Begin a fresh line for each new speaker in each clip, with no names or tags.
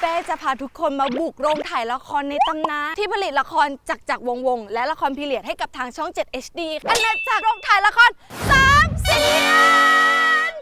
เป้จะพาทุกคนมาบุกโรงถ่ายละครในตำนานที่ผลิตละครจักรวงศ์และละครพีเรียดให้กับทางช่อง 7 HD อาณาจักรโรงถ่ายละคร3 เสียน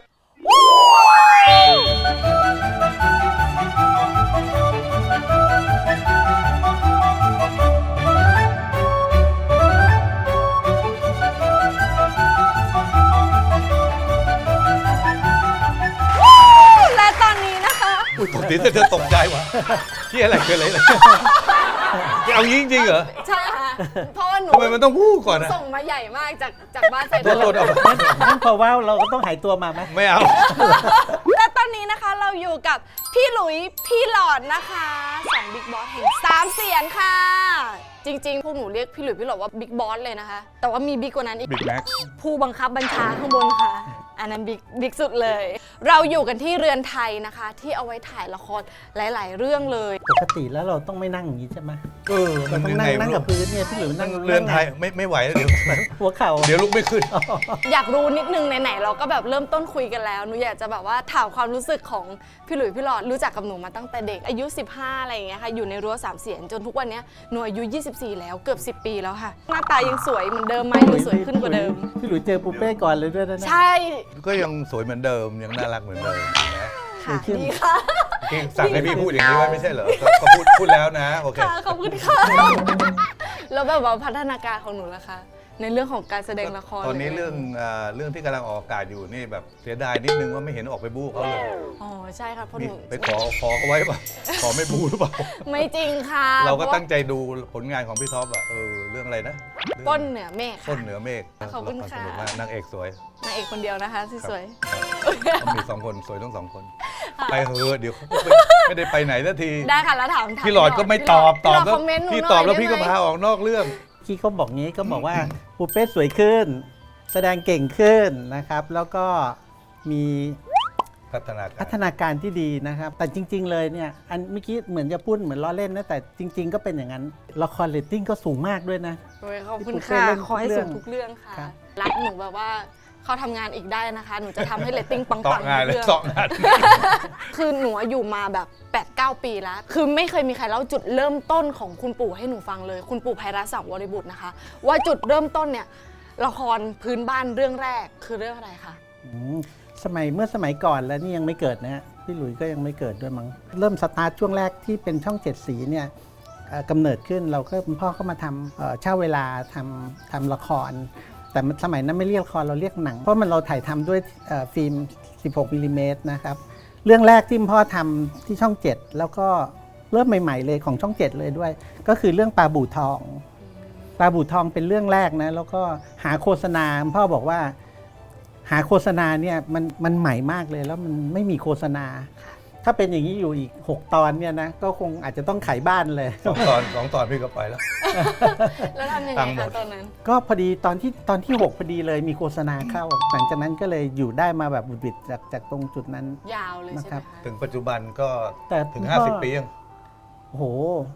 และตอนนี้นะคะ
อุ้ยตกใจจะตกใจวะที่อะไรเกิดอะไรเอางี้จริงๆเหรอ
ใช่ค่ะเพราะว่าหนู
ทำไมมันต้องพูดก่อนนะ
ส่งมาใหญ่มากจากบ้านใส่
จะหลุดออกมา
นั่นเพราะว่าเราก็ต้องหายตัวมาไหม
ไม่เอา
และตอนนี้นะคะเราอยู่กับพี่หลุยพี่หลอดนะคะ2บิ๊กบอสแห่ง3 เสียนค่ะ จริงๆพวกหนูเรียกพี่หลุยพี่หลอดว่าบิ๊กบอสเลยนะคะ แต่ว่ามีบิ๊กกว่านั้นอีก
บิ๊กแม็ก
ผู้บังคับบัญชาข้างบนค่ะ อันนั้นบิ๊กสุดเลย เราอยู่กันที่เรือนไทยนะคะ ที่เอาไว้ถ่ายละครหลายๆเรื่องเลย
ปกติแล้วเราต้องไม่นั่งอย่างนี้ใช่ไหม
มั
เรา
น
ต้อง
ยัง
นั่
ไง
งกับพื้นเนี่ยพี่หลุยนั่ง
เรือนไทยไม่ไหวแล้วเดี๋ยว
หัวเข่า
เดี๋ยวลุกไม่ขึ้น
อยากรู้นิดนึงไหนๆเราก็แบบเริ่มต้นคุยกันแล้วหนูอยากจะแบบว่าถามความรู้สึกของพี่หลุยพี่หลอดรู้จักกับหนูมาตั้งแต่เด็กอายุ15อะไรอย่างเงี้ยค่ะอยู่ในรั้ว3 เสียนจนทุกวันนี้หนูอายุ24แล้วเกือบ10 ปีแล้วค่ะหน้าตายังสวยเหมือนเดิมไหมหรือสวยขึ้นกว่าเดิม
พี่หลุยเจอปูเป้ก่อนเลยด้วยนะ
ใช่
ก็ยังสวยเหมือนเดิมยังน่ารักเหมือนเดิมนะ
ค่ะดีค่ะ
พี่สั่งให้พี่พูดอย่างนี้ไว้ไม่ใช่เหรอก็พูดแล้วนะโอเค
ค่ะขอบคุณค่ะแล้วแบบว่าพัฒนาการของหนูล่ะคะในเรื่องของการแสดงละคร
ตอนนี้
หะไ
เรื่องที่กำลังออกอากาศอยู่นี่แบบเสียดายนิดนึงว่าไม่เห็นออกไปบู๊เขาเลย
อ๋อใช่ค่ะเพราะ
มี
หนู
ไปขอเขาไว้ป่ะขอไม่บู๊หรือเปล่า
ไม่จริงค่ะ
เราก็ตั้งใจดูผลงานของพี่ท็อปอะเรื่องอะไรนะ
ต้นเหนือเมฆ
ต้
ค่ะ
นเหนือเมฆ
ขอบคุณค่ะ
สนุกมากนางเอกสวย
นางเอกคนเดียวนะคะที่สวย
ต้องมี2 คนสวยทั้ง2 คน ไปเถอะเดี๋ยวเขาไม่ได้ไปไหนสักที
ได้ค่ะแล้วถาม
พี่หลอดก็ไม่ตอบ
พี่หลอด
ก็
คอมเมนต์หนู
พี่
หน่ย
ตอบแล้ว
ได้
พี่ก็
ไหม
พาออกนอกเรื่อง
ที่เขาบอกงี้ก็บอกว่าปูเป้สวยขึ้น แสดงเก่งขึ้นนะครับ แล้วก็มี
พัฒนาการ
พัฒนาการที่ดีนะครับ แต่จริง ๆ เลยเนี่ยอันเมื่อกี้เหมือนจะพูดเหมือนล้อเล่นนะแต่จริง ๆ ก็เป็นอย่างนั้นละครเรตติ้งก็สูงมากด้วยนะ
โอ้ยขอบคุณ
พี่ปุ๊ก
ค่ะ
เล่น
ขอให้
ทุกเรื่
สู
อง
งทุกเรื่องค่ะ
ครับ
รักหนูแบบว่าเขาทำงานอีกได้นะคะ หนูจะทำให้เรตติ้งปังๆ
ต่องานเลย
ทุกรื่อง
ต่องาน
คือหนูอยู่มาแบบ 8-9 ปีแล้ว คือไม่เคยมีใครเล่าจุดเริ่มต้นของคุณปู่ให้หนูฟังเลย คุณปู่ไพรัสสังวรบุตรนะคะ ว่าจุดเริ่มต้นเนี่ยละครพื้นบ้านเรื่องแรกคือเรื่องอะไรคะ
อืมเมื่อสมัยก่อนแล้วนี่ยังไม่เกิดนะฮะพี่หลุยส์ก็ยังไม่เกิดด้วยมั้งเริ่มสตาร์ทช่วงแรกที่เป็นช่อง 7 สีเนี่ยกำเนิดขึ้นเราก็คุณพ่อเข้ามาทำเช่าเวลาทำละคร แต่สมัยนั้นไม่เรียกละครเราเรียกหนัง เพราะมันเราถ่ายทำด้วยฟิล์ม 16 มิลลิเมตรนะครับเรื่องแรกที่พ่อทำที่ช่อง 7 แล้วก็เริ่มใหม่ๆเลยของช่อง 7 เลยด้วย ก็คือเรื่องปลาบู่ทองปลาบู่ทองเป็นเรื่องแรกนะแล้วก็หาโฆษณาพ่อบอกว่าหาโฆษณาเนี่ยมันใหม่มากเลยแล้วมันไม่มีโฆษณา ถ้าเป็นอย่างนี้อยู่อีก6 ตอนเนี่ยนะก็คงอาจจะต้องขายบ้านเลย
2 ตอนพี่ก็ไปแล้ว
แล้วทำยังไง
ตังค์หม
คะ
ด
ตอนนั้น
ก็พอดีตอนที่ 6พอดีเลยมีโฆษณาเข้า หลังจากนั้นก็เลยอยู่ได้มาแบบบุดบิดจากตรงจุดนั้น
ยาวเลยใช่ไหม
ครั
คะ
บ
ถึงปัจจุบันก็
แต่
ถึง
คุณพ่อ
50 ปียัง
โอ้โห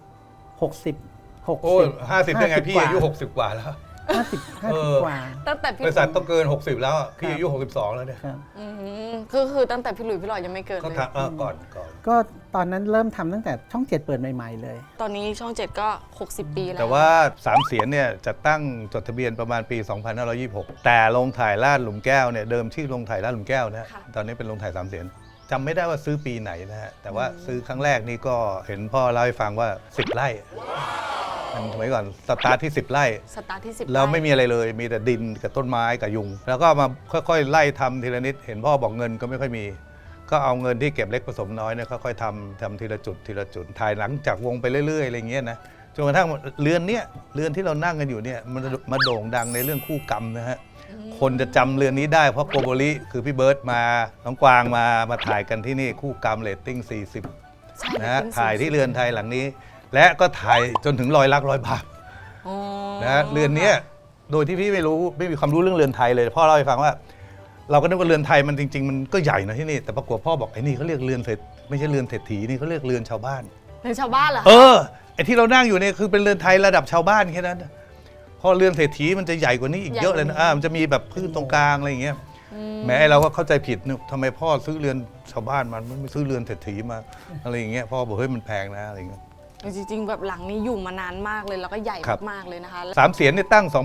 60
โอ้ย50ได้ไงพี่อายุ
กว่
60 กว่าแล้ว
50 กว่า
ตั้งแต่พี่
บริษัทต้องเกิน 60 แล้วอะพี่อายุ 62 แล้วเนี่ย
ครับ
คือตั้งแต่พี่หลุยส์พี่หลอดยังไม่เกิด
ก็
เลย
ทำก่อน
ก็ตอนนั้นเริ่มทำตั้งแต่ช่อง 7 เปิดใหม่ๆเลย
ตอนนี้ช่อง 7 ก็ 60 ปีแล้ว
แต่ว่า3 เสียนเนี่ยจะตั้งจดทะเบียนประมาณปี 2526 แต่โรงถ่ายลาดหลุมแก้วเนี่ยเดิมชื่อโรงถ่ายลาดหลุมแก้วนะฮะตอนนี้เป็นโรงถ่าย3 เสียนจำไม่ได้ว่าซื้อปีไหนนะฮะแต่ว่าซื้อครั้งแรกนี่ก็เห็นพ่อเล่าให้ฟังว่า 10 ไร่มันสมัยก่อนสตาร์ทที่ 10 ไร่
สตาร์ทที่ 10
แล้วไม่มีอะไรเลยมีแต่ดินกับต้นไม้กับยุง แล้วก็มาค่อยๆไล่ทำทีละนิดเห็นพ่อบอกเงินก็ไม่ค่อยมี ก็เอาเงินที่เก็บเล็กผสมน้อยเนี่ยค่อยๆทำทีละจุดทีละจุดถ่ายหลังจากวงไปเรื่อยๆอะไรเงี้ยนะจนกระทั่งเรือนที่เรานั่งกันอยู่เนี่ยมันมาโด่งดังในเรื่องคู่กรรมนะฮะคนจะจำเรือนนี้ได้เพราะโกโบริคือพี่เบิร์ตมาน้องกวางมาถ่ายกันที่นี่คู่กรรมเรตติ้ง 40
ใช่
นะฮะ
เป็น
ถ่ายที่เรือนไทยหลังนี้ และก็ถ่ายจนถึง100 ลัก100 บาท
อ๋อ
นะฮะเรือนเนี้ยโดยที่พี่ไม่มีความรู้เรื่องเรือนไทยเลยพ่อเล่าให้ฟังว่า เราก็นึกว่าเรือนไทยมันจริงๆมันก็ใหญ่นะที่นี่แต่ปรากฏพ่อบอกไอ้นี่เขาเรียกเรือนเศรษฐไม่ใช่เรือนเศรษฐีนี่เขาเรียกเรือนชาวบ้าน
เป็นชาวบ้านเหรอ
ไอ้ที่เรานั่งอยู่เนี่ยคือเป็นเรือนไทยระดับชาวบ้านแค่นั้นพอเรือนเศรษฐีมันจะใหญ่กว่านี้อีกเยอะเลยนะมันจะมีแบบพื้นตรงกลางอะไรอย่างเงี้ยแม้เราก็เข้าใจผิดนึกทำไมพ่อซื้อเรือนชาวบ้านมันไม่ซื้อเรือนเศรษฐีมาอะไรอย่างเงี้ยพ่อบอกเฮ้ยมันแพงนะอะไรอย่างเงี้ย
จริงๆแบบหลังนี้อยู่มานานมากเลยแล้วก็ใหญ่
ครับ
มากๆเลยนะคะ
สามเสียนนี่ตั้ง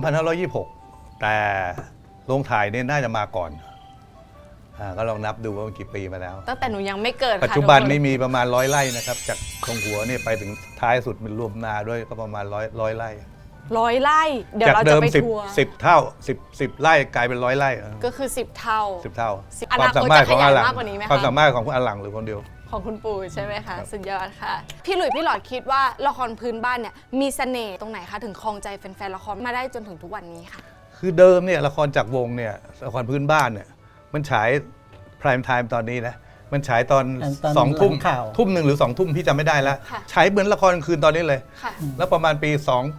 2526 แต่โรงถ่ายเนี่ยน่าจะมาก่อนก็ลองนับดูว่ามันกี่ปีมาแล้ว
ตั้งแต่หนูยังไม่เกิดค่ะ
ปัจจุบัน
ทุกค
นี้มีประมาณ100 ไร่นะครับจากตรงหัวเนี่ยไปถึงท้ายสุดเป็นรวมนาด้วยก็ประมาณ100 ไร่
100 ไร่เดี๋ยว
จาก
เรา
เดิ
จะ
ม
ไป
10
ทัวร์
10 เท่า10 ไร่กลายเป็น100 ไร่
ก็คือ 10 เท่า
10 เท่า
อนาคต
ความสามารถของอาหลัง
จะขยายมากกว่านี้ไหมคะ
ความสามารถของคุณอาหลังหรือคนเดียว
ของคุณปู่ใช่ไหมคะสุดยอดค่ะ พี่หลุยส์พี่หลอดคิดว่าละครพื้นบ้านเนี่ยมีเสน่ห์ตรงไหนคะถึงครองใจแฟนๆละครมาได้จนถึงทุกวันนี้ค่ะ
คือเดิมเนี่ยละครจากวงเนี่ยละครพื้นบ้านเนี่ยมันฉายพราย m ์ไทม์ตอนนี้นะมันฉายตอน
ตอน
2 ทุ่ม
หลังข่าว
ทุ่มหนึ่งหรือ2 ทุ่มพี่จำไม่ได้แล้ว
ค่ะ
ฉายเหมือนละครกลางคืนตอนนี้เลย
ค่ะ
แล้วประมาณปี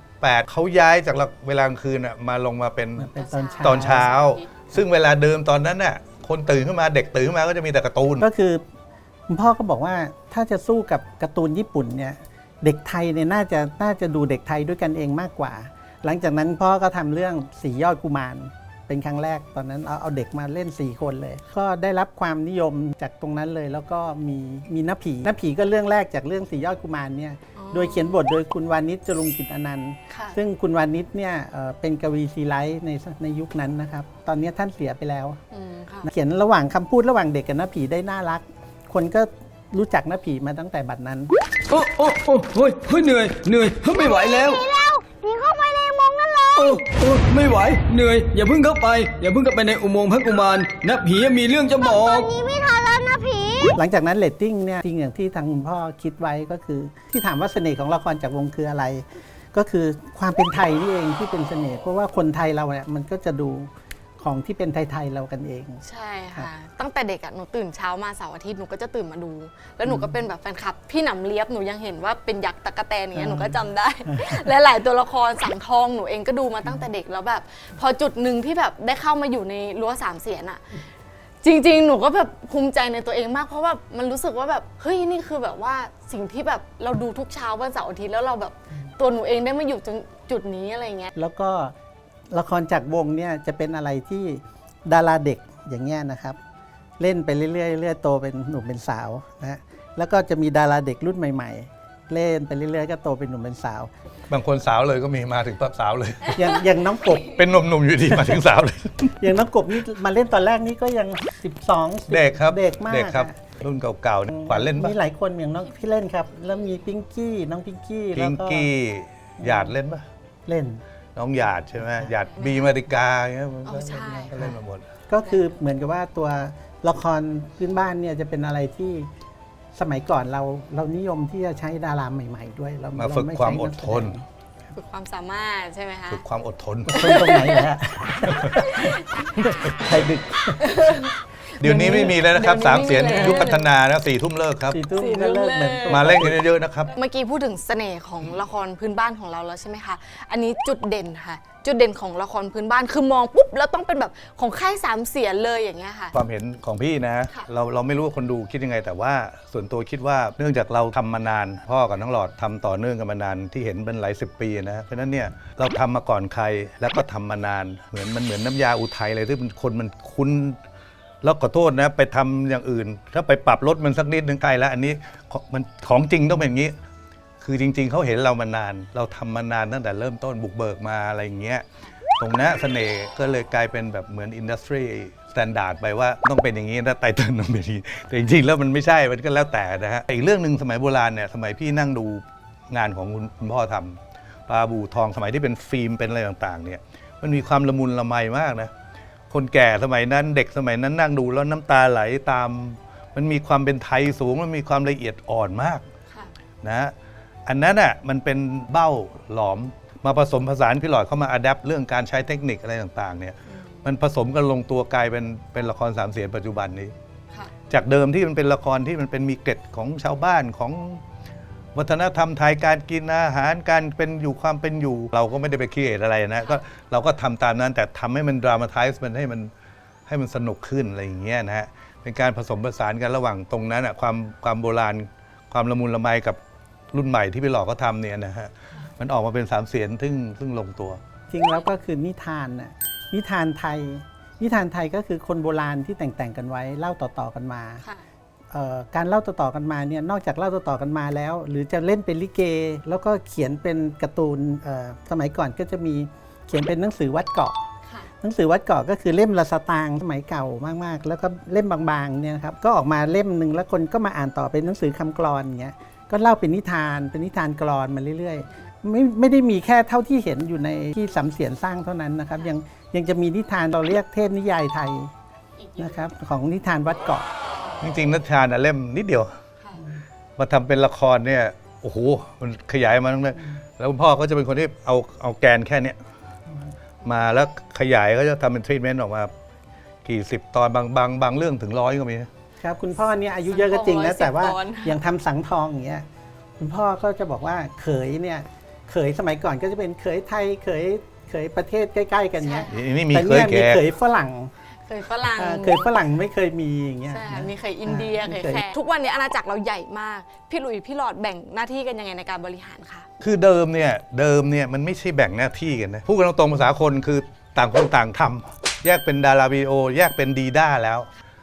28เขาย้ายจากเวลากลางคืนน่ะมาลงมาเป็น
มันเป็นตอนเช้า
ตอนเช้า ซึ่งเวลาเดิมตอนนั้นน่ะคนตื่นขึ้นมาเด็กตื่นขึ้นมาก็จะมีแต่การ์ตูน
ก็คือคุณพ่อก็บอกว่าถ้าจะสู้กับการ์ตูนญี่ปุ่นเนี่ยเด็กไทยเนี่ยน่าจะดูเด็กไทยด้วยกันเองมากกว่า หลังจากนั้นพ่อก็ทำเรื่องสียอดกุมารเป็นครั้งแรกตอนนั้นเอาเด็กมาเล่น4 คนเลย ก็ได้รับความนิยมจากตรงนั้นเลย แล้วก็มีน้าผีก็เรื่องแรกจากเรื่องสียอดกุมารเนี่ยโดยเขียนบทโดยคุณวานิชจรุงกิจอนันต์
ค่ะ
ซึ่งคุณวานิชเนี่ยเป็นกวีซีไลท์ในยุคนั้นนะครับตอนนี้ท่านเสียไปแล้ว
ค่ะ
เขียนระหว่างคำพูดระหว่างเด็กกับน้าผีได้น่ารัก คนก็รู้จักน้าผีมาตั้งแต่บัดนั้น
โอ้โอ้โอ้เฮ้ยเฮ้ยเหนื่อยไม่ไหวแล้ว
หนีเข้าไปในอุโมงค์นั่นเลย
โอ้ไม่ไหวเหนื่อยอย่าเพิ่งเข้าไปในอุโมงค์พระกุมารนะผีมีเรื่องจะบอ
ตอก นนี้ไม่ทันแล้วนะผี
หลังจากนั้นเรตติ้งเนี่ยจริงอย่างที่ทางคุณพ่อคิดไว้ก็คือ ที่ถามว่าเสน่ห์ของละครจากวงคืออะไร ก็คือความเป็นไทยนี่เองที่เป็นเสน่ห์เพราะว่าคนไทยเราเนี่ยมันก็จะดูของที่เป็นไทยๆเรากันเอง
ใช่ค่ะ ตั้งแต่เด็กอะหนูตื่นเช้ามาเสาร์อาทิตย์หนูก็จะตื่นมาดู แล้วหนูก็เป็นแบบแฟนคลับ พี่หนำเลียบหนูยังเห็นว่าเป็นยักษ์ตะกะแตนอย่างเงี้ยหนูก็จำได้ และหลายตัวละครสังทองหนูเองก็ดูมาตั้งแต่เด็กแล้วแบบ พอจุดหนึ่งที่แบบได้เข้ามาอยู่ในรั้วสามเสียนอะจริงๆ หนูก็แบบภูมิใจในตัวเองมากเพราะว่ามันรู้สึกว่าแบบเฮ้ยนี่คือแบบว่าสิ่งที่แบบเราดูทุกเช้าวันเสาร์อาทิตย์แล้วเราแบบตัวหนูเองได้มาอยู่จุดนี้อะไรเงี้ย
แล้วก็ละครจากวงเนี่ยจะเป็นอะไรที่ดาราเด็กอย่างเงี้ยนะครับ เล่นไปเรื่อยๆเรื่อยๆโตเป็นหนุ่มเป็นสาวนะแล้วก็จะมีดาราเด็กรุ่นใหม่ๆ เล่นไปเรื่อยๆก็โตเป็นหนุ่มเป็นสาว
บางคนสาวเลยก็มีมาถึงปั๊บสาวเลย
อย่างน้องกบ
เป็นหนุ่มๆอยู่ดีมาถึงสาวเลย
อย่างน้องกบนี่มาเล่นตอนแรกนี่ก็ยัง12
เด็กครับ
เด็กมาก
เด็กครับ
อะ
รุ่นเก่าๆเนี่ยขวัญเล่นปะ
มีหลายคนอย่างน้องพี่เล่นครับ แล้วมีพิงกี้น้องพิงกี้
พิ
แล้ว
ง
ก็
กี้หยาดเล่นปะ
เล่น
น้องหยาดใช่ไหมหยาดบีมาริกาอย่างเงี้ย
อ๋อใช่
ก็เล่นมาหมด
ก็คือเหมือนกับว่าตัวละครพื้นบ้านเนี่ยจะเป็นอะไรที่สมัยก่อนเรานิยมที่จะใช้ดาราใหม่ ๆ ด้วยเรา
มาฝึก
เรไ
ความอดทน
ฝึกความสามารถใช่ไหมคะ
ฝึกความอดทน
ใช้นักแสดงคนตรงไหนเหรอฮะ ใครดึก
เดี๋ยวนี้ไม่มีแล้วนะครับ
เดี๋ยวนี้
สามเสียน
ไม่มีแล้ว
ยุคพัฒนานะ4 ทุ่มเลิกครับ
4 ทุ่มก็เลิกเหมือน
มาเล่นกันเยอะๆนะครับ
เมื่อกี้พูดถึงเสน่ห์ของละครพื้นบ้านของเราแล้วใช่ไหมคะ อันนี้จุดเด่นค่ะ จุดเด่นของละครพื้นบ้านคือมองปุ๊บแล้วต้องเป็นแบบของค่ายสามเสียนเลยอย่างเงี้ยค่ะ
ความเห็นของพี่นะ
ค่ะ
เราไม่รู้ว่าคนดูคิดยังไง แต่ว่าส่วนตัวคิดว่าเนื่องจากเราทำมานาน พ่อกับน้องหลอดทำต่อเนื่องกันมานานที่เห็นเป็นหลาย10 ปีนะเพราะฉะนั้นเนี่ยเราทำมาก่อนใครแล้วก็ทำมานานเหมือนน้ำยาอุทัยเลยที่คนมันคุ้นแล้วขอโทษนะไปทำอย่างอื่น ถ้าไปปรับลดมันสักนิดนึงใกล้แล้ว อันนี้มันของจริงต้องเป็นอย่างนี้ คือจริง ๆเขาเห็นเรามานาน เราทำมานานตั้งแต่เริ่มต้นบุกเบิกมาอะไรอย่างเงี้ย ตรงนั้นเสน่ห์ก็เลยกลายเป็นแบบเหมือนอินดัสทรีสแตนดาร์ดไปว่าต้องเป็นอย่างนี้นะไตเติ้ลต้องเป็นอย่างนี้แต่จริงๆแล้วมันไม่ใช่มันก็แล้วแต่นะฮะอีกเรื่องหนึ่งสมัยโบราณเนี่ยสมัยพี่นั่งดูงานของคุณพ่อทำปลาบูทองสมัยที่เป็นฟิล์มเป็นอะไรต่างๆเนี่ยมันมีความละมุนละไมมากนะคนแก่สมัยนั้นเด็กสมัยนั้นนั่งดูแล้วน้ำตาไหลตาม มันมีความเป็นไทยสูงมันมีความละเอียดอ่อนมาก
ค่ะ
นะอันนั้นอ่ะมันเป็นเบ้าหลอมมาผสมผสานพี่หลอดเข้ามาอัดแอปเรื่องการใช้เทคนิคอะไรต่างๆเนี่ยมันผสมกันลงตัวกลายเป็นละครสามเสียนปัจจุบันนี้
ค่ะ
จากเดิมที่มันเป็นละครที่มันเป็นมีเกร็ดของชาวบ้านของวัฒนธรรมไทยการกินอาหารการเป็นอยู่ความเป็นอยู่ เราก็ไม่ได้ไปคิดอะไรนะก็เราก็ทำตามนั้นแต่ทำให้มันดรามาไทส์มันให้มันสนุกขึ้นอะไรอย่างเงี้ยนะฮะเป็นการผสมผสานกันระหว่างตรงนั้นอ่ะความโบราณความละมุนละไมกับรุ่นใหม่ที่พี่หลอกเขาทำเนี่ยนะฮะมันออกมาเป็นสามเสียนซึ่งลงตัว
จริงแล้วก็คือนิทานน่ะนิทานไทยนิทานไทยก็คือคนโบราณที่แต่งกันไว้เล่าต่อๆกันมา
ค่ะ
การเล่าต่อๆกันมาเนี่ยนอกจากเล่าต่อๆกันมาแล้ว หรือจะเล่นเป็นลิเก แล้วก็เขียนเป็นการ์ตูนสมัยก่อนก็จะมีเขียนเป็นหนังสือวัดเกาะ
ค่ะ
หนังสือวัดเกาะก็คือเล่มละสตางค์สมัยเก่ามากๆ แล้วก็เล่มบางๆเนี่ยนะครับก็ออกมาเล่มหนึ่งแล้วคนก็มาอ่านต่อเป็นหนังสือคำกลอนอย่างเงี้ยก็เล่าเป็นนิทานกลอนมาเรื่อยๆไม่ได้มีแค่เท่าที่เห็นอยู่ในที่สำเสียนสร้างเท่านั้นนะครับยังจะมีนิทานเราเรียกเทพนิยายไทยนะครับของนิทานวัดเกาะ
จริงๆนิทานเล่มนิดเดียว
ค่ะ
มาทำเป็นละครเนี่ยโอ้โหมันขยายมาตั้งแต่แล้วคุณพ่อก็จะเป็นคนที่เอาแกนแค่เนี้ยมาแล้วขยายก็จะทำเป็นทรีทเมนต์ออกมากี่สิบตอนบางเรื่องถึง100ก็มี
ครับคุณพ่อเนี่ยอายุเยอะก็จริงนะ
110
แต่ว่า
ตอน
อย่างทำสังทองอย่างเงี้ยคุณพ่อก็จะบอกว่าเขยสมัยก่อนก็จะเป็นเขยไทยเขยประเทศใกล้ๆกันเงี้ย
นี่มี
แต่
เคย
เนี่ยมี
แก่
เขยฝรั่ง
เคยฝรั่ง
เคยฝรั่งไม่เคยมีอย่างเงี้ย
ใช่
นะ
มีเคยอินเดีย
อ่า
เคยแขกทุกวันนี้อาณาจักรเราใหญ่มาก พี่หลุยพี่หลอดแบ่งหน้าที่กันยังไงในการบริหารคะ
คือเดิมเนี่ยมันไม่ใช่แบ่งหน้าที่กันนะพูดกันตรงๆภาษาคนคือต่างคนต่างทำแยกเป็นดาราวิดีโอแยกเป็นดีด้าแล้ว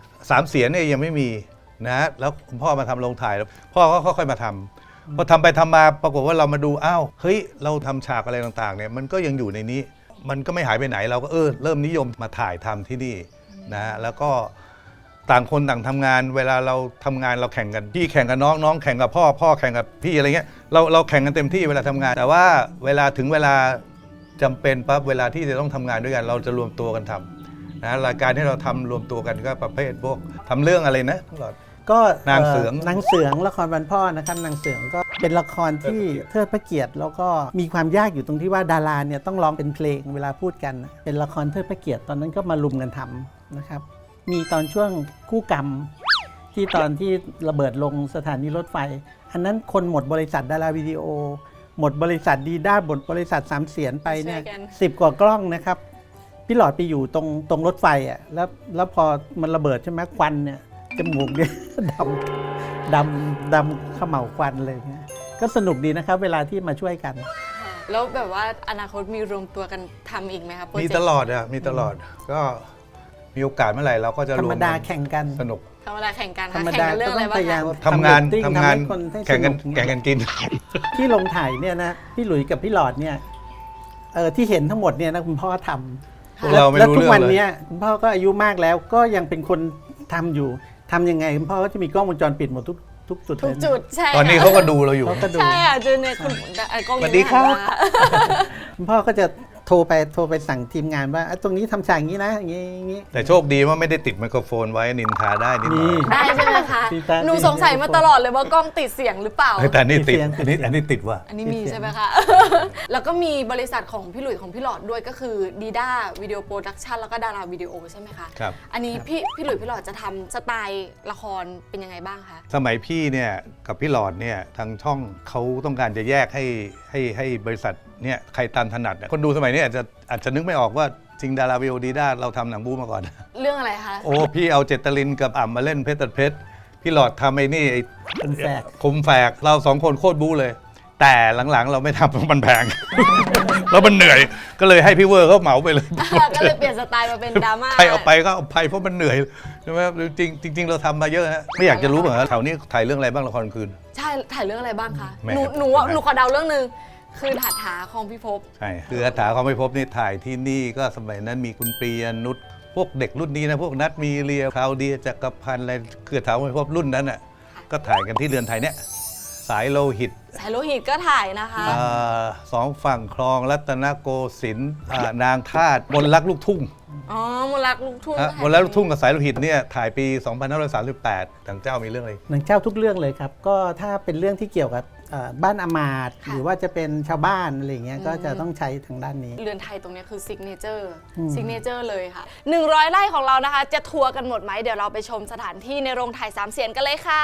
3 เสียงเนี่ยยังไม่มีนะแล้วคุณพ่อมาทำโรงถ่ายแล้วพ่อก็ค่อยๆมาทำพอทำไปทำมาปรากฏว่าเรามาดูอ้าวเฮ้ยเราทำฉากอะไรต่างๆเนี่ยมันก็ยังอยู่ในนี้ มันก็ไม่หายไปไหนเราก็เริ่มนิยมมาถ่ายทำที่นี่นะแล้วก็ต่างคนต่างทำงานเวลาเราทำงานเราแข่งกันพี่แข่งกับน้องแข่งกับพ่อแข่งกับพี่อะไรเงี้ยเราแข่งกันเต็มที่เวลาทำงาน แต่ว่าเวลาถึงเวลาจำเป็นปั๊บเวลาที่จะต้องทำงานด้วยกัน เราจะรวมตัวกันทำนะรายการที่เราทำรวมตัวกันก็ประเภทพวกทำเรื่องอะไรนะตลอด
ก็
นางเสือง
นางเสืองละครวันพ่อนะครับนางเสืองก็เป็นละครที่เทิดพระเกียรติแล้วก็มีความยากอยู่ตรงที่ว่าดาราเนี่ยต้องร้องเป็นเพลงเวลาพูดกันนะเป็นละครเทิดพระเกียรติตอนนั้นก็มารุมกันทำนะครับมีตอนช่วงคู่กรรมที่ตอนที่ระเบิดลงสถานีรถไฟ อันนั้นคนหมดบริษัทดาราวิดีโอ หมดบริษัทดีด้าหมดบริษัทสามเสียนไปเนี่ย
ช่วยกัน
10 กว่ากล้องนะครับพี่หลอดไปอยู่ตรงรถไฟอ่ะแล้วพอมันระเบิดใช่ไหมควันเนี่ยจมูกเนี่ย ดำเขม่าวควันเลยเนี่ยก็สนุกดีนะครับเวลาที่มาช่วยกัน
แล้วแบบว่าอนาคตมีรวมตัวกันทำอีกไหมคะโปร
มี
เจก
ต
ต์
ลอดมีตลอดก็มีโอกาสเมื่อไหร่เราก็จะ
ธร
ว
รม
ม
ดา
กัน
แข่งกัน
สนุก
ธรรมดาแข่งกัน
ธร
ค่ะ
รม
แข่ง
ดา
กันเรื่องอะไร
ก็
บ้าง
พยายาม
คะ
ทำงาน
เรตติ้
ทำงาน
ให้คนให้
แข่งกัน
ส
แข่งกันกิน
ที่ลงถ่ายเนี่ยนะพี่หลุยส์กับพี่หลอดเนี่ยที่เห็นทั้งหมดเนี่ยนะคุณพ่อท
พวก
ำ
เราไม่
แล้ว
รู้
ทุก
เรื่อง
วัน
เลย
เนี้ยคุณพ่อก็อายุมากแล้วก็ยังเป็นคนทำอยู่ทำยังไงคุณพ่อก็จะมีกล้องวงจรปิดหมดทุกจุด
ทุ
เล
ก
ยนะ
จุดใช่
ตอนนี้
ค่ะ
เขาก็ดูเราอยู่
เขาก็ดู
ใช่ค่ะเจอในคุณกล้อง
สวัสดีครับ
นี้หันมา
คุณพ่อก็จะโทรไปสั่งทีมงานว่าตรงนี้ทำฉากอย่างนี้นะอย่างนี้
แต่โชคดีว่าไม่ได้ติดไมโครโฟนไว้นินทาได้นิดหน่อย
ได้ใช่ไหมคะ
ติดตาม
หนูสงสัยมาตลอดเลยว่ากล้องติดเสียงหรือเปล่า
เฮ้ยแต่นี่ติด
เสียง
อันนี้ติดว่ะ
อันนี้มีใช่ไหมคะ แล้วก็มีบริษัทของพี่หลุยของพี่หลอดด้วยก็คือดีด้าวิดีโอโปรดักชันแล้วก็ดาราวิดีโอใช่ไหมคะ
ครับ
อันนี้พี่หลุยพี่หลอดจะทำสไตล์ละครเป็นยังไงบ้างคะ
สมัยพี่เนี่ยกับพี่หลอดเนี่ยทางช่องเขาต้องการจะแยกให้บริษัทเนี่ยใครตามถนัดคนดูสมัยนี้อาจจะนึกไม่ออกว่าจริงดาราวิโอดีด้าเราทำหนังบู๊มาก่อน
เรื่องอะไรคะ
โอ้พี่เอาเจตลินกับอ่ำมาเล่นเพชรตัดเพชรพี่หลอดทำไอ้นี่ไอ้
เป็นแฝก
คมแฝกเรา2 คนโคตรบู๊เลย แต่หลังๆเราไม่ทำเพราะมันแพง แล้วมันเหนื่อยก็เลยให้พี่เวอร์เขาเหมาไปเลย
ก็เลยเปลี่ยนสไตล์มาเป็นดราม่า
ใครเอาไปก็เอาไปเพราะมันเหนื่อยใช่ไหมจริงเราทำมาเยอะฮะไม่อยากจะรู้เหมือนกันแถวนี้ถ่ายเรื่องอะไรบ้างละครกลางคืน
ใช่ถ่ายเรื่องอะไรบ้างคะ
แม่
หนูขอเดาเรื่องหนึ่งคือถาถาของพี่ภพ
ใช่คืออาถาเขาไม่พบนี่ถ่ายที่นี่ก็สมัยนั้นมีคุณปรียนุชพวกเด็กรุ่นนี้นะพวกนัทมีเรียคราวเดียจักรพันธ์อะไรคืออาถาเขาไม่พบรุ่นนั้นอ่ะก็ถ่ายกันที่เรือนไทยเนี่ยสายโลหิต
สายโลหิตก็ถ่ายนะคะ
สองฝั่งคลองรัตนโกสินทร์นางทาสมนต์รักลูกทุ่ง
อ๋อมนต์รักลูกทุ่ง
มนต์รักลูกทุ่งกับสายโลหิตเนี่ยถ่ายปี 2538ทางเจ้ามีเรื่องอะไร
หนังเจ้าทุกเรื่องเลยครับ ก็ถ้าเป็นเรื่องที่เกี่ยวกับบ้านอามาตย์หรือว่าจะเป็นชาวบ้านอะไรอย่างเงี้ยก็จะต้องใช้ทางด้านนี้
เรือนไทยตรงนี้คือซิกเนเจอร์เลยค่ะ100 ไร่ของเรานะคะ จะทัวร์กันหมดไหมเดี๋ยวเราไปชมสถานที่ในโรงถ่ายสามเสียนกันเลยค่ะ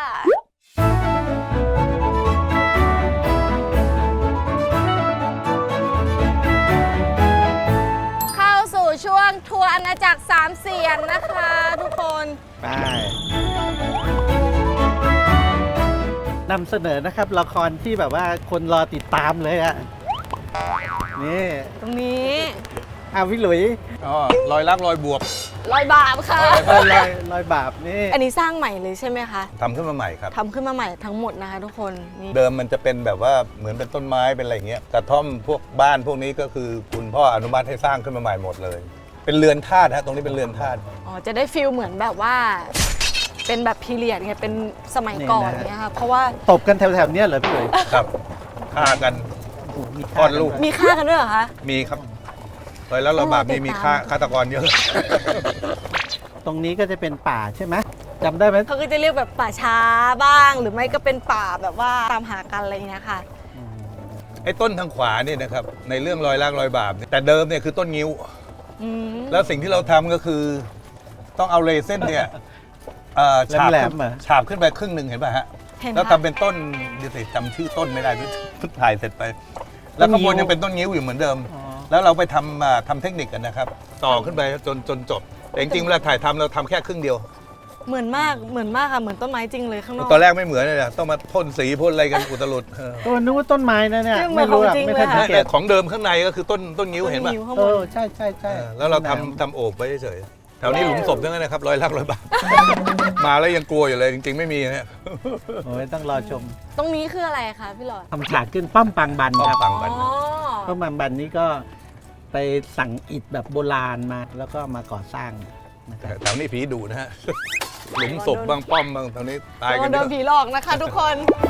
เข้าสู่ช่วงทัวร์อาณาจักรสามเสียนนะคะทุกคน
ไปนำเสนอนะครับละครที่แบบว่าคนรอติดตามเลยอะนี่
ตรงนี้
พี่หลุย
อ๋อรอยรักรอยบวบ
รอยบาปค่ะ
รอยบาปนี่
อันนี้สร้างใหม่เลยใช่ไหมคะ
ทำขึ้นมาใหม่ครับ
ทำขึ้นมาใหม่ทั้งหมดนะคะทุกคนนี่
เดิมมันจะเป็นแบบว่าเหมือนเป็นต้นไม้เป็นอะไรอย่างเงี้ยกระท่อมพวกบ้านพวกนี้ก็คือคุณพ่ออนุมัติให้สร้างขึ้นมาใหม่หมดเลย เป็นเรือนธาตุฮะตรงนี้เป็นเรือนธาตุ
อ๋อจะได้ฟีลเหมือนแบบว่า เป็นแบบพีเรียดไงเป็นสมัยก่อนเนี่ยค่ะเพราะว่า
ตบกันแถวๆเนี้ยเหรอพี่หลุย
ครับฆ่ากัน
โอ้โหมี
คลอดลูก
มีค่ากันด้วยเหรอคะ
มีครับรอยรักรอยบาปนี่มีฆาตกรเยอะ
ตรงนี้ก็จะเป็นป่าใช่ไหมจำได้ไหม
เขาก็จะเรียกแบบป่าช้าบ้าง หรือไม่ก็เป็นป่าแบบว่าตามหากันอะไรอย่างเงี้ยค่ะ
ไอ้ต้นทางขวานี่นะครับในเรื่องรอยรักรอยบาปเนี่ยแต่เดิมเนี่ยคือต้นงิ้ว
อืม
แล้วสิ่งที่เราทำก็คือ ต้องเอาเรเส้นเนี่ยฉาบ
แหล
ขึ้
ม
น
ๆเหรอ
ฉาบขึ้นไปครึ่งหนึ่งเห็นป่ะฮะ
เห็น
แล้ว
ค่ะ
ทำเป็นต้นเดี๋ยวสิจำชื่อต้นไม่ได้เพิ่งถ่ายเสร็จไป แล้วข้างบนยังเป็นต้นงิ้วอยู่เหมือนเดิม
อ๋อ
แล้วเราไปทำเทคนิคกันนะครับ ต่อขึ้นไปจนจบแต่จริงๆเวลาถ่ายทำเราทำแค่ครึ่งเดียว
เหมือนมากค่ะเหมือนต้นไม้จริงเลยข้างนอก
ตอนแรกไม่เหมือนเลยนะต้องมาพ่นสีพ่นอะไรกันอุตลุด
ตัวนึกว่าต้นไม้นะเนี่ย
เหมื
ไม่
อน
รู้อะ
ของจริง
ไม่ทัน
เลย
สั
ค่ะ
งเก
แต่
ต
ของเดิมข้างในก็คือต้นงิ้วเห็นป่ะ
ต้นงิ้วข้างบ
เอน อใช่ใช่ใช่
แล้วเราทำโอบไว้เฉยๆแถวนี้หลุมศพทั้งนั้นนะครับรอยรักรอยบาป มาแล้วยังกลัวอยู่เลยจริงๆไม่มีนะ
โอ้ยต้องรอชม
ตรงนี้คืออะไรคะพี่หลอด
ทำฉากขึ้นป้อมปางบัน
ป้อ
ค
ม
รับ
ปังบัน
อ๋อ
ป้อมปางบันนี้ก็ไปสั่งอิฐแบบโบราณมาแล้วก็มาก่อสร้างนะครับ
แถวนี้ผีดุนะฮะ หลุมศพบ้างป้อมบ้างแถวนี้ตายกัน
โด
เย
น
อะ
ผีหลอกนะคะทุกคน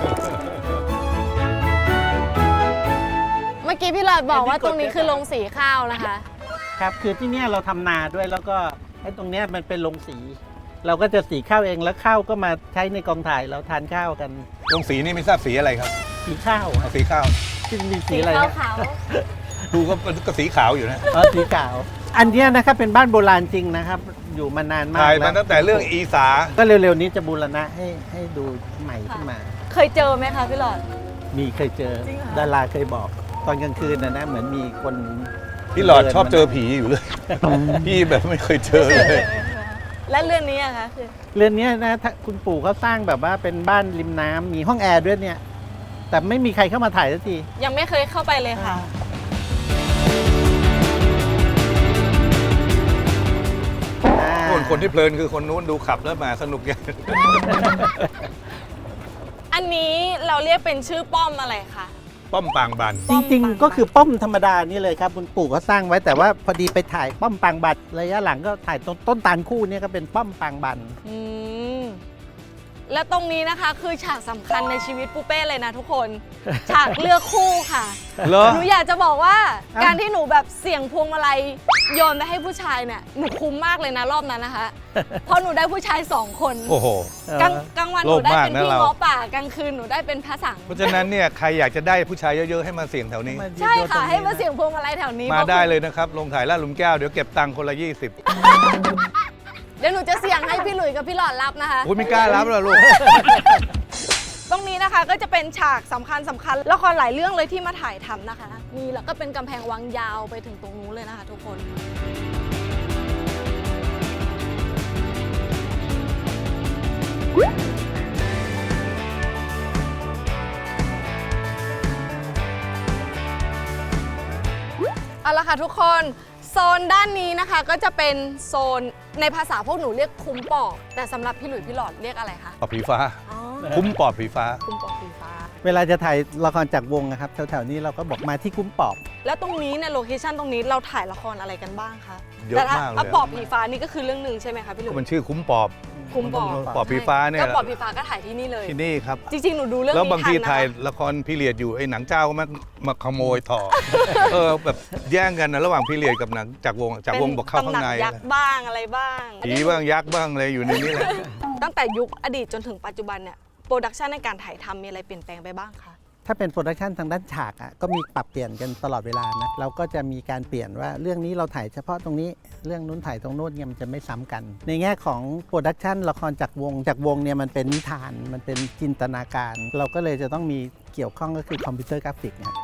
เมื่อกี้พี่หลอดบอกว่าตรงนี้คือโรงสีข้าวนะคะ
ครับคือที่เนี่ยเราทำนาด้วยแล้วก็ไอ้ตรงเนี้ยมันเป็นโรงสี เราก็จะสีข้าวเองแล้วข้าวก็มาใช้ในกองถ่ายเราทานข้าวกัน
ลงสีนี่ไม่ทราบสีอะไรครับ
สีข้าว
เอาสีข้าว
ที่มีสีอะไร
ขาว
นะ
ขาว
ดูก็สีขาวอยู่นะ
อ๋อสีขาว อันเนี้ยนะครับเป็นบ้านโบราณจริงนะครับ อยู่มานานมาก
ถ่าย
แล้
มาว ตั้งแต่เรื่องอีสา
ก็เร็วๆนี้จะบูรณะให้ดูใหม่ขึ้นมา
เคยเจอไหมคะพี่หลอด
มีเคยเจอ
จริงเหรอ
ดาราเคยบอก ตอนกลางคืนนะเหมือนมีคน
พี่หลอดชอบเจอผีอยู่เลย พี่แบบไม่เคยเจอเลย
และเรื่องนี้อะคะคือ
เรือนเนี้ยนะถ้าคุณปู่เขาสร้างแบบว่าเป็นบ้านริมน้ำมีห้องแอร์ด้วยเนี่ย แต่ไม่มีใครเข้ามาถ่ายสักที
ยังไม่เคยเข้าไปเลยค่ะ
คนที่เพลินคือคนนู้นดูขับแล้วมาสนุกอย่าง
อันนี้เราเรียกเป็นชื่อป้อมอะไรคะ
ป้อมปางบัน
จริงๆ ก็คือป้อมธรรมดานี่เลยครับคุณปู่เขาสร้างไว้แต่ว่าพอดีไปถ่ายป้อมปางบัตรระยะหลังก็ถ่ายต้นตาลคู่เนี่ยก็เป็นป้อมปางบัน
อืมและตรงนี้นะคะคือฉากสำคัญในชีวิตปูเป้เลยนะทุกคน ฉากเลือกคู่ค่ะ
เหรอ
หนูอยากจะบอกว่า
อ่ะ
การที่หนูแบบเสี่ยงพวงมาลัยโยนไปให้ผู้ชายเนี่ยหนูคุ้มมากเลยนะรอบนั้นนะคะ เพราะหนูได้ผู้ชาย2 คน
โอ้โห
กลางวันหนูได้เป็น
โลภมากนะ
พี่
เรา
ง้อป่ากลางคืนหนูได้เป็นพระสัง
เพราะฉะนั้นเนี่ยใครอยากจะได้ผู้ชายเยอะๆให้มาเสี่ยงแถวนี้
ใช่ค่ะให้มาเสี่ยงพวงมาลัยแถวนี้
มาได้เลยนะครับลงถ่ายลาดหลุมแก้วเดี๋ยวเก็บตังค์คนละ 20
เดี๋ยวหนูจะเสี่ยงให้พี่หลุยส์กับพี่หลอดรับนะคะ
อุ้ยไม่กล้ารับหรอกลูก
ตรงนี้นะคะก็จะเป็นฉากสำคัญละครหลายเรื่องเลยที่มาถ่ายทำนะคะ มีแล้วก็เป็นกำแพงวังยาวไปถึงตรงนู้นเลยนะคะทุกคน เอาละค่ะทุกคนโซนด้านนี้นะคะก็จะเป็นโซนในภาษาพวกหนูเรียกคุ้มปอบแต่สำหรับพี่หลุยส์พี่หลอดเรียกอะไรคะ
ปอบผีฟ้า
อ๋อ
คุ้มปอบผีฟ้า
คุ้มปอบสีฟ้า
เวลาจะถ่ายละครจากวงนะครับแถวๆนี้เราก็บอกมาที่คุ้มปอบ
แล้วตรงนี้เนี่ยโลเคชั่นตรงนี้เราถ่ายละครอะไรกันบ้างคะ
เยอะ
แต่ถ้
มากเลย
ปอบผีฟ้านี่ก็คือเรื่องหนึ่งใช่ไหมคะพี่หลุ
ก็
ย
มันชื่อคุ้มปอบ
คุ้มปอบ
ปอบผีฟ้าเนี่ย
ก็ปอบผีฟ้าก็ถ่ายที่นี่เลย
ที่นี่ครับ
จริงๆหนูดูเรื่อง
แล้ว
นี้
บาง
ทัน
ที
นะ
ถ่าย
คะ
ละครพีเรียดอยู่ไอ้หนังเจ้าก็มาขโมยต่อ แบบแย่งกันนะระหว่างพีเรียดกับหนังจากวงบอกเข้าข้างใน
เป็นตำหนักยักษ์บ้างอะไรบ้าง
ผีบ้างยักษ์บ้างอะไรอยู่ในนี้แหละ
ตั้งแต่ยุคอดีตจนถึงปัจจุบันเนี่ยโปรดักชันในการถ่ายทำมีอะไรเปลี่ยนแปลงไปบ้างคะ
ถ้าเป็นโปรดักชันทางด้านฉากอ่ะก็มีปรับเปลี่ยนกันตลอดเวลานะเราก็จะมีการเปลี่ยนว่าเรื่องนี้เราถ่ายเฉพาะตรงนี้เรื่องนู้นถ่ายตรงโน้นเนี่ยมันจะไม่ซ้ำกัน ในแง่ของโปรดักชันละครจากวงเนี่ยมันเป็นนิทานมันเป็นจินตนาการ เราก็เลยจะต้องมีเกี่ยวข้องก็คือคอมพิวเตอร์กราฟิกเนี่ย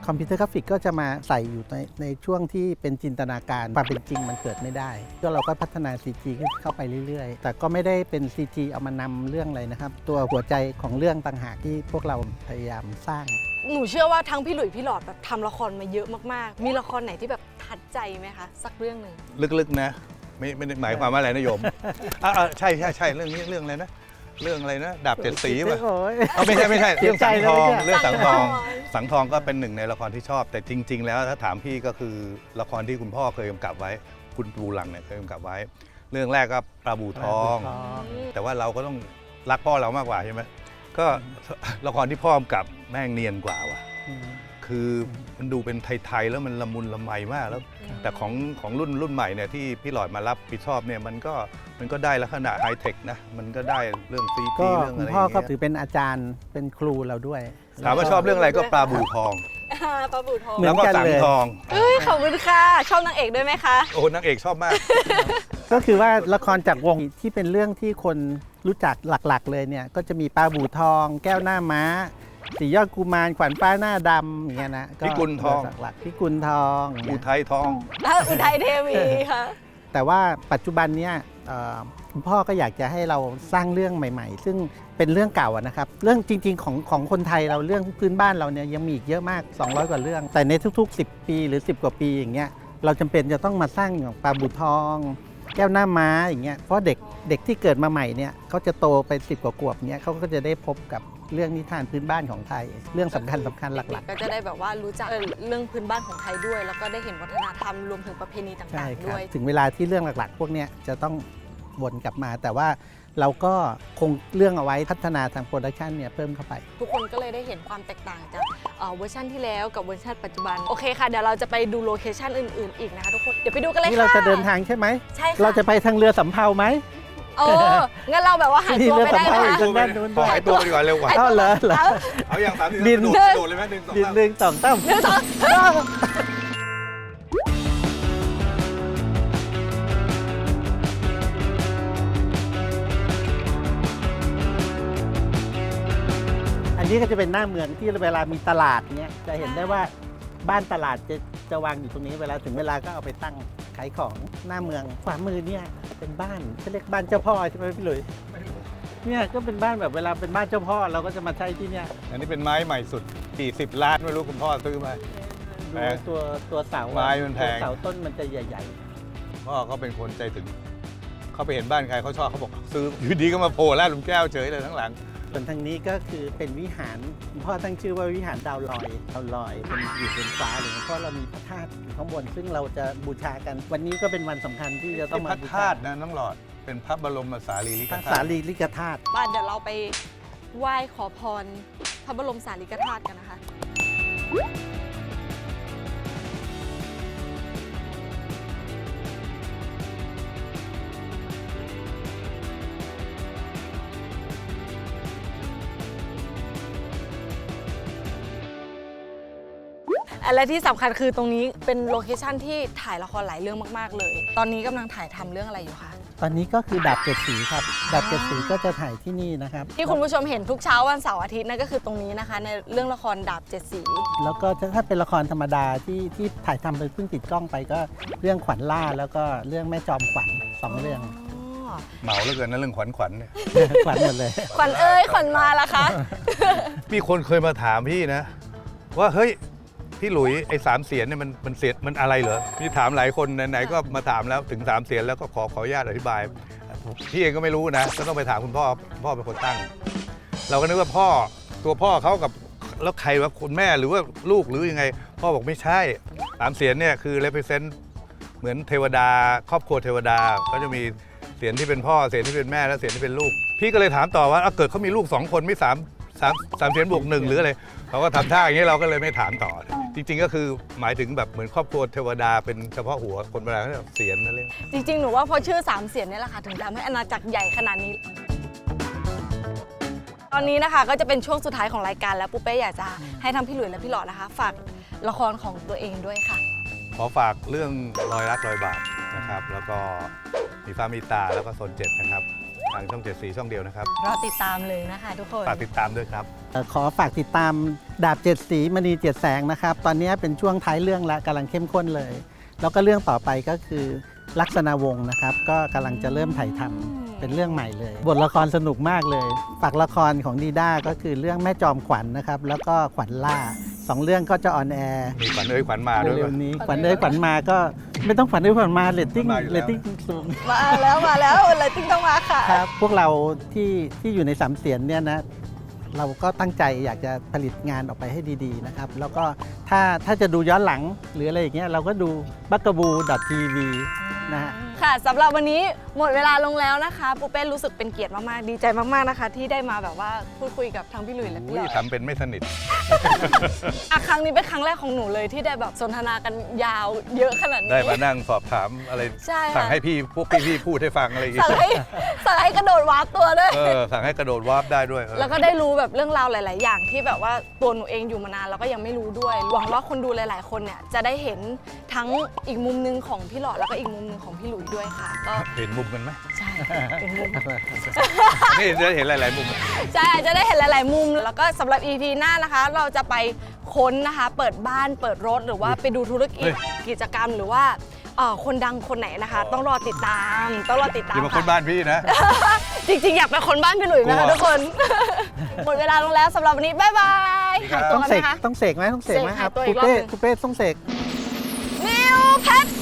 คอมพิวเตอร์กราฟิกก็จะมาใส่อยู่ในช่วงที่เป็นจินตนาการความเป็นจริงมันเกิดไม่ได้ก็เราก็พัฒนา CG เข้าไปเรื่อยๆ แต่ก็ไม่ได้เป็น CG เอามานำเรื่องอะไรนะครับ ตัวหัวใจของเรื่องต่างหากที่พวกเราพยายามสร้าง
หนูเชื่อว่าทั้งพี่หลุยพี่หลอดแบบทำละครมาเยอะมากๆ มีละครไหนที่แบบทัดใจไหมคะ สักเรื่องหนึ่ง
ลึกๆนะไม่ได้หมายความว่าอะไรนะโยมใช่เรื่องนี้เรื่องอะไรนะเรื่องอะไรนะดาบเจ็ดสีป่ะ
โอ้ย
ไม่ใช่
เสี
เรื่
ย
อง
ใจ
สังทอง
เลยเนี่ย
เรื่องสังทอง
สังทอง
สังทองก็เป็นหนึ่งในละครที่ชอบ แต่จริง ๆ แล้วถ้าถามพี่ก็คือละครที่คุณพ่อเคยกำกับไว้ คุณปูหลังเนี่ยเคยกำกับไว้ เรื่องแรกก็ปลาบูทอง แต่ว่าเราก็ต้องรักพ่อเรามากกว่าใช่ไหมก็ละครที่พ่อกำกับแม่งเนียนกว่าว่ะ คือมันดูเป็นไทยๆแล้วมันละมุนละไมมากแล้ว แต่ของรุ่นใหม่เนี่ยที่พี่หลอดมารับผิดชอบเนี่ยมันก็ได้ลักษณะไฮเทคนะมันก็ได้เรื่องซี
ก็
จีเรื่อง
คุ
อะ
ณ
ไรอ
พ่อย่าง ก็
เงี้
ถือยเป็นอาจารย์เป็นครูเราด้วย
ถามว่าชอบเรื่องอะไรก็ปลาบูทอง
ปลาบูทอง
เหมือน
แล้วก็
กัน
สัง
เลย
ทอง
เอ้ยขอบคุณค่ะ ชอบนางเอกด้วยไหมคะ
โอ้นางเอกชอบมาก
ก็คือว่าละครจากวงที่เป็นเรื่องที่คนรู้จักหลักๆเลยเนี่ยก็จะมีปลาบูทอง แก้วหน้าม้าสียอดกุมารขวัญฟ้าหน้าดำอย่างเงี้ยนะ
พิกุลทอง
หลักๆพิกุลทองอย่าง
อุ
เงี้ย
ทัยทอง
อุทัยเทวีค่ะ
แต่ว่าปัจจุบันเนี่ยคุณพ่อก็อยากจะให้เราสร้างเรื่องใหม่ๆ ซึ่งเป็นเรื่องเก่าอะนะครับเรื่องจริงๆของคนไทยเราเรื่องพื้นบ้านเราเนี่ยยังมีอีกเยอะมาก200กว่าเรื่อง แต่ในทุกๆ10 ปีหรือ10กว่าปีอย่างเงี้ยเราจำเป็นจะต้องมาสร้างอย่างปลาบูทอง แก้วหน้าม้าอย่างเงี้ยเพราะเด็กที่เกิดมาใหม่เนี่ยเขาจะโตไป10กว่าขวบเนี้ยเขาก็จะได้พบกับเรื่องนิทานพื้นบ้านของไทย เรื่องสำคัญหลัก
ก็จะได้แบบว่ารู้จักเรื่องพื้นบ้านของไทยด้วย แล้วก็ได้เห็นวัฒนธรรมรวมถึงประเพณี
ๆใช่
ต่าง
ค
ๆ
รับ
ด้วย
ถึงเวลาที่เรื่องหลักๆ พวกเนี้ยจะต้องวนกลับมา แต่ว่าเราก็คงเรื่องเอาไว้พัฒนาทางโปรดักชันเนี่ยเพิ่มเข้าไป
ทุกคนก็เลยได้เห็นความแตกต่างจากเวอร์ชันที่แล้วกับเวอร์ชันปัจจุบัน โอเคค่ะ เดี๋ยวเราจะไปดูโลเคชั่นอื่นๆอีกนะคะทุกคน เดี๋ยวไปดูกันเลยค่ะ
นี่เราจะเดินทางใช่ไหม
ใช่ค่ะ
เราจะไปทางเรือสำเภาไหม
โอ้งั้นเราแบบว่าหายตัวไปได้ไหม
มี
คะ
เรือสำเภาอีก ทางด้านนู้นด้วย
หายตัวไปดีกว่าเร็วกว่า
เอาเหรอ
เอาอย่าง3
บิน
โดดเลยไหม1 2
ดินหนึ่งสองตั้ม
หนึ่งสอง
อันนี้ก็จะเป็นหน้าเมืองที่เวลามีตลาดเนี้ยจะเห็นได้ว่าบ้านตลาดจะวางอยู่ตรงนี้เวลาถึงเวลาก็เอาไปตั้งขายของหน้าเมืองขวามือเนี่ยเป็นบ้านเขาเรียกบ้านเจ้าพ่อใช่ไหมพี่หลุยเนี่ยก็เป็นบ้านแบบเวลาเป็นบ้านเจ้าพ่อเราก็จะมาใช้ที่เนี่ย
อันนี้เป็นไม้ใหม่สุดกี่10 ล้านไม่รู้คุณพ่อซื้อมา แพง
ดูตัวเสา
ไม้มันแพง
ตัวเสาต้นมันจะใหญ่
พ่อเขาเป็นคนใจถึงเขาไปเห็นบ้านใครเขาชอบเขาบอกซื้ออยู่ดีก็มาโผล่ลาดหลุมแก้วเฉยเลยทั้งหลัง
ๆส่วนทางนี้ก็คือเป็นวิหารคุณพ่อตั้งชื่อว่าวิหารดาวลอยเป็นอยู่บนฟ้าเลยเพราะเรามีพระธาตุอยู่ข้างบนซึ่งเราจะบูชากัน วันนี้ก็เป็นวันสำคัญที่จะต้อง
พ
มา
ระ
บู
ธา
ชา
ตุนะน้องหลอดเป็นพระบรมสารีริก
พระ
ธา
สา
ตุ
รีริกธาตุ
บ้านเดี๋ยวเราไปไหว้ขอพรพระบรมสารีริกธาตุกันนะคะ และที่สำคัญคือตรงนี้เป็นโลเคชั่นที่ถ่ายละครหลายเรื่องมาก ๆ เลย ตอนนี้กำลังถ่ายทำเรื่องอะไรอยู่คะ
ตอนนี้ก็คือดาบเจ็ดสีครับดาบเจ็ดสีก็จะถ่ายที่นี่นะครับ
ที่คุณผู้ชมเห็นทุกเช้าวันเสาร์อาทิตย์นั่นก็คือตรงนี้นะคะ ในเรื่องละครดาบเจ็ดสี
แล้วก็ถ้าเป็นละครธรรมดาที่ถ่ายทำไปเพิ่งติดกล้องไปก็เรื่องขวัญล่าแล้วก็เรื่องแม่จอมขวัญ2 เรื่อง
อ๋อ
เหมาเหลือเกินนะเรื่องขวัญเนี่ย
ขวัญหมดเลย
ขวัญเอ้ยขวัญมาละคะ
มีคนเคยมาถามพี่นะ ว่าเฮ้ยพี่หลุยไอ้3 เสียนเนี่ยมันเสียนมันอะไรเหรอพี่ถามหลายคนไหนๆก็มาถามแล้วถึง3 เสียนแล้วก็ขออนุญาตอธิบายพี่เองก็ไม่รู้นะก็ต้องไปถามคุณพ่อพ่อเป็นคนตั้ง เราก็นึกว่าตัวพ่อเขากับแล้วใครว่าคุณแม่หรือว่าลูกหรือยังไง พ่อบอกไม่ใช่3 เสียนเนี่ยคือ represent เหมือนเทวดา ครอบครัวเทวดาก็จะมีเสียนที่เป็นพ่อเสียนที่เป็นแม่และเสียนที่เป็นลูก พี่ก็เลยถามต่อว่าเกิดเขามีลูก2 คนไม่3 เสียนบวก1หรืออะไรเขาก็ทำท่าอย่างนี้เราก็เลยไม่ถามต่อ จริงๆก็คือหมายถึงแบบเหมือนครอบครัวเทวดาเป็นเฉพาะหัวคนโบราณเขาเรียกเสียนนั่นเอง
จริงๆ หนูว่าพอชื่อ3 เสียนเนี่ยแหละค่ะถึงทำให้อาณาจักรใหญ่ขนาดนี้ ตอนนี้นะคะก็จะเป็นช่วงสุดท้ายของรายการแล้วปุ๊เป้อยากจะให้ทั้งพี่หลุยและพี่หลอดนะคะ ฝากละครของตัวเองด้วยค่ะ
ขอฝากเรื่องรอยรักรอยบาปนะครับแล้วก็มีฟ้ามีตาแล้วก็โซน7นะครับทางช่อง7 สีช่องเดียวนะครับ
รอติดตามเลยนะคะทุกคน
ฝากติดตามด้วยครับ
ขอฝากติดตามดาบ7 สีมณี7 แสงนะครับ ตอนนี้เป็นช่วงท้ายเรื่องแล้วกำลังเข้มข้นเลย แล้วก็เรื่องต่อไปก็คือลักษณะวงศ์นะครับ ก็กำลังจะเริ่มถ่ายทำเป็นเรื่องใหม่เลย บทละครสนุกมากเลย ฝากละครของดีด้าก็คือเรื่องแม่จอมขวัญนะครับ แล้วก็ขวัญล่า2 เรื่องก็จะออนแอร์
มีขวัญเอ้ยขวัญมาด้วย
เร็
ป่ะ
วๆนี้ขวัญเอ้ยขวัญมาก็ไม่ต้องขวัญเอ้ยขวัญมาเรตติ้ง
มาอยู่แล้ว
สูง
มาแล้วเลยติ้งต้องมาค่ะ
ครับพวกเราที่อยู่ในสามเสียนเนี่ยนะเราก็ตั้งใจอยากจะผลิตงานออกไปให้ดีๆนะครับ แล้วก็ถ้าจะดูย้อนหลังหรืออะไรอย่างเงี้ยเราก็ดูbugaboo.tv นะฮะ
ค่ะสำหรับวันนี้หมดเวลาลงแล้วนะคะปูเป้รู้สึกเป็นเกียรติมากๆดีใจมากๆนะคะ ที่ได้มาแบบว่าพูดคุยกับทั้งพี่หลุยและพี่หล
อุ้
อย ด
ทำเป็นไม่สนิท
ครั้งนี้เป็นครั้งแรกของหนูเลยที่ได้แบบสนทนากันยาวเยอะขนาดนี้
ได้มานั่งสอบถามอะไร
ใช่ค่ะ
สั่งให้พวกพี่พูดให้ฟังอะไรอย่างเงี้
สั่ง
ย
ให้กระโดดวาร์ปตัวด้วย
สั่งให้กระโดดวาร์ปได้ด้วย
แล้วก็ได้รู้แบบเรื่องราวหลาย ๆ อย่างที่แบบว่าตัวหนูเองอยู่มานานแล้วก็ยังไม่รู้ด้วย หวังว่าคนดูหลาย ๆ คนเนี่ยจะได้เห็นทั้งอีกมุมนึงของพี่หลอดแล้วก็อีกมุมนึงของพี่หลุยด้วยค่ะก็
เห็นมุมกันไหม
ใช่เป็นมุม
นี่จะเห็นหลาย ๆ มุม
ใช่จะได้เห็นหลาย ๆ มุม แล้วก็สำหรับ EP หน้านะคะ เราจะไปค้นนะคะ เปิดบ้านเปิดรถหรือว่าไปดูธุรกิจกิจกรรมหรือว่าคนดังคนไหนนะคะ ต้องรอติดตาม
อย่ามาคน
ค่ะ
บ้านพี่นะ
จริง ๆ อยากเป็นคนบ้านพี่หลุยส์นะคะ
กลัว
ทุกคน หมดเวลาลงแล้วสำหรับวันนี้ บ๊ายบาย
ครั
หาย
บ
ตัว
ต้อง
กัน
เส
ไหม
ก
คะ
ต้องเสกไหมต้องเสกไหม
เสก
ครับ
หาตัวอี
คุ
ก
ณ
รอบ
เป้
หนึ่ง
คุณเป้ต้องเสก
นิวเพชร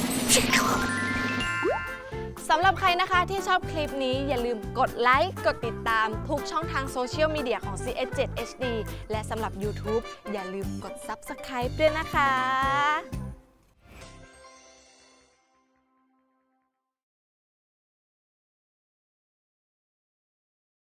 สำหรับใครนะคะที่ชอบคลิปนี้อย่าลืมกดไลค์กดติดตามทุกช่องทางโซเชียลมีเดียของ CS7 HD และสำหรับ YouTube อย่าลืมกด Subscribe ด้วยนะคะ